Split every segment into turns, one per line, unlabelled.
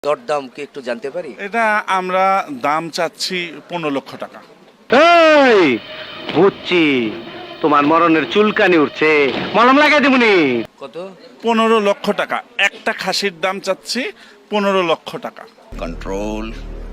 দরদাম কি একটু জানতে পারি?
এটা আমরা দাম চাচ্ছি 15 লক্ষ টাকা।
এই বুঝছি, তোমার মরণের চুলকানি উঠছে, মলম লাগাই দেবনি।
কত?
15 লক্ষ টাকা। একটা খাসির দাম চাচ্ছি 15 লক্ষ টাকা।
Control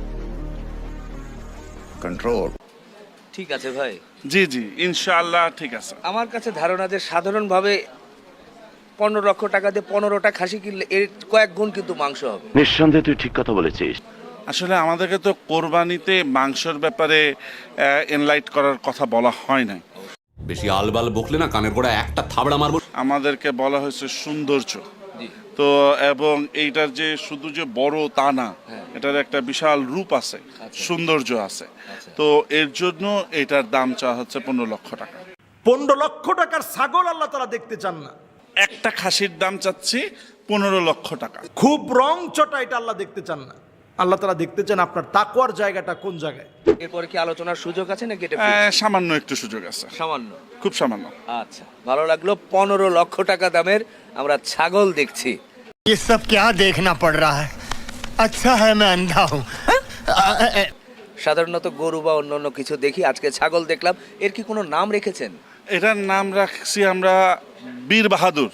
control.
ঠিক আছে ভাই।
জি জি, ইনশাআল্লাহ ঠিক আছে।
আমার কাছে ধারণা যে সাধারণভাবে 15 লক্ষ টাকা দিয়ে 15টা খাসি কিনলে এর কয়েক গুণ কিন্তু মাংস হবে।
নিঃসন্দেহে তুই ঠিক কথা বলেছিস।
আসলে আমাদেরকে তো কোরবানিতে মাংসের ব্যাপারে এনলাইট করার কথা বলা হয় না।
বেশি আলবাল বকলে না কানের গোড়া একটা থাবড়া মারবো।
আমাদেরকে বলা হয়েছে সৌন্দর্য। তো এবং এইটার যে শুধু যে বড় তা না, এটার একটা বিশাল রূপ আছে, সৌন্দর্য আছে। তো এর জন্য এটার দাম চাওয়া হচ্ছে 15 লক্ষ টাকা।
15 লক্ষ টাকার ছাগল আল্লাহ তাআলা দেখতে চান না।
একটা খাসির দাম চাচ্ছি 15 লক্ষ টাকা।
খুব রং চটা এটা আল্লাহ দেখতে চান না। আল্লাহ তাআলা দেখতে চান আপনার তাকওয়ার জায়গাটা কোন জায়গায়।
এরপরে কি আলোচনার সুযোগ আছে নাকি এটা
সামান্য একটু সুযোগ আছে,
সামান্য?
খুব সামান্য।
আচ্ছা, ভালো লাগলো। 15 লক্ষ টাকা দামের আমরা ছাগল দেখছি।
ये सब क्या देखना पड़ रहा है? अच्छा है मैं अंधा हूँ।
সাধারণত গরু বা অন্যান্য কিছু দেখি, আজকে ছাগল দেখলাম। এর কি কোনো নাম রেখেছেন?
এটার নাম রাখছি আমরা বীর বাহাদুর।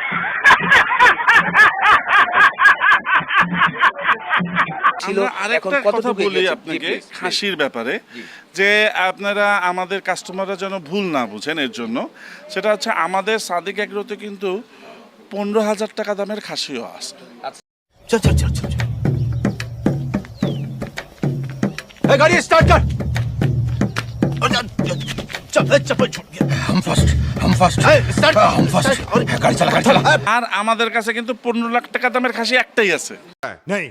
ছিল,
আমরা
এখন
আরেকটা কথা
কতটুকু
বলি
এগিয়েছে?
আপনাকে
জি, please,
খাসির ব্যাপারে, যে আপনারা আমাদের কাস্টমাররা যেন ভুল না বুঝেন এর জন্য, সেটা হচ্ছে আমাদের সাদিক এগ্রোতে কিন্তু 15,000 টাকা দামের খাসিও আছে।
चल चल चल चल गाड़ी स्टार्ट कर। चप्पल छूट गया। हम फर्स्ट स्टार्ट हम फर्स्ट गाड़ी चला
আর আমাদের কাছে কিন্তু 15 লাখ টাকা দামের খাসি একটাই আছে।
नहीं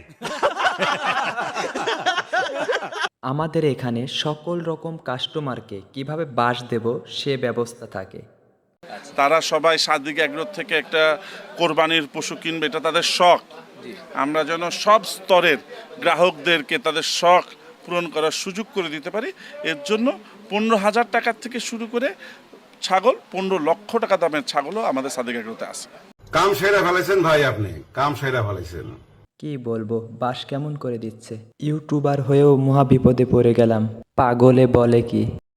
আমাদের এখানে সকল রকম কাস্টমারকে কিভাবে বাস দেব সে ব্যবস্থা থাকে।
তারা সবাই সাদিক এগ্রো থেকে একটা কোরবানির পশু কিনবে, এটা তাদের শখ। আমরা যেন সব স্তরের গ্রাহকদেরকে তাদের শখ পূরণ করার সুযোগ করে দিতে পারি, এর জন্য 15,000 টাকা থেকে শুরু করে ছাগল 15 লক্ষ টাকা দামের ছাগলও আমাদের সাদিক এগ্রোতে আছে।
কাম সেরা ফেলেছেন ভাই, আপনি কাম সেরা ফেলেছেন।
কি বলবো, বাস কেমন করে দিচ্ছে। ইউটিউবার হয়েও মহা বিপদে পড়ে গেলাম। পাগলে বলে কি।